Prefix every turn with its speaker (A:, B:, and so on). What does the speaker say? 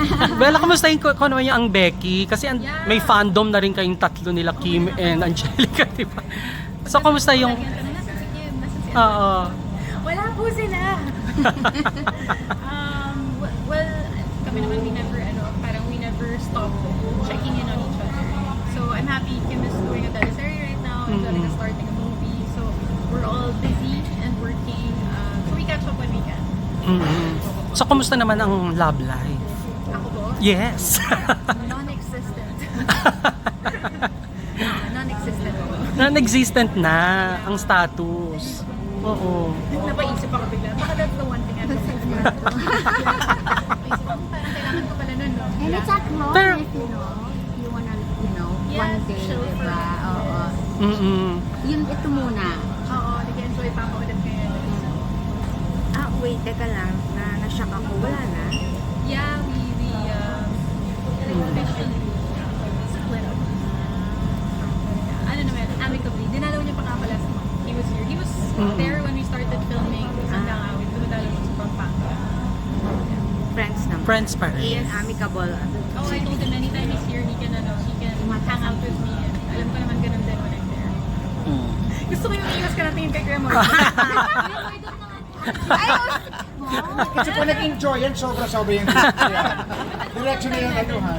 A: Bella, kamustahin ko naman yung ang Becky? Kasi
B: Yeah.
A: may fandom na rin kayong tatlo nila, Kim and Angelica, di ba? So, kamusta yung...
B: Nasa si Kim, nasa si
A: Oo.
B: Wala po sila. Well, kami naman we never stop checking in on each other. So I'm happy Kim is doing a teleserye right now. Angelica starting a movie. So we're all busy and working. So we catch up when we can.
A: So, kamusta naman ang love life?
B: Ako po?
A: Yes.
B: Non-existent. Non-existent po.
A: Non-existent na ang status. Oo.
B: Napaisip ako bigla. Baka that's the one thing I'm looking for. Napaisip ako, parang kailangan ko pala nun, no?
C: And it's at home
A: Pero-
C: if you wanna,
B: Yes,
C: one day,
B: chill for
C: diba?
B: a
C: Oo. Yun, ito muna.
B: Oo, nag-enjoy pa ako ulit ngayon.
C: Wait, teka lang. Na-shock ako. Wala na.
B: Yeah, we officially split up. Ano naman, amicably. Dinalaw niya pa nga pala. He was here. He was there when we started filming. Hanggang awit. Dumadalaw siya sa Pampanga.
C: Friends naman.
A: Friends pa rin.
C: And amicable.
B: Oh, I told him anytime he's here, he can hang out with me. And alam ko naman ganun din when I'm there. Gusto ko yung iwas ka natin kay Grandma.
D: Kasi po nag-enjoy yan, sobra-sobra yung direction niya yung ano ha.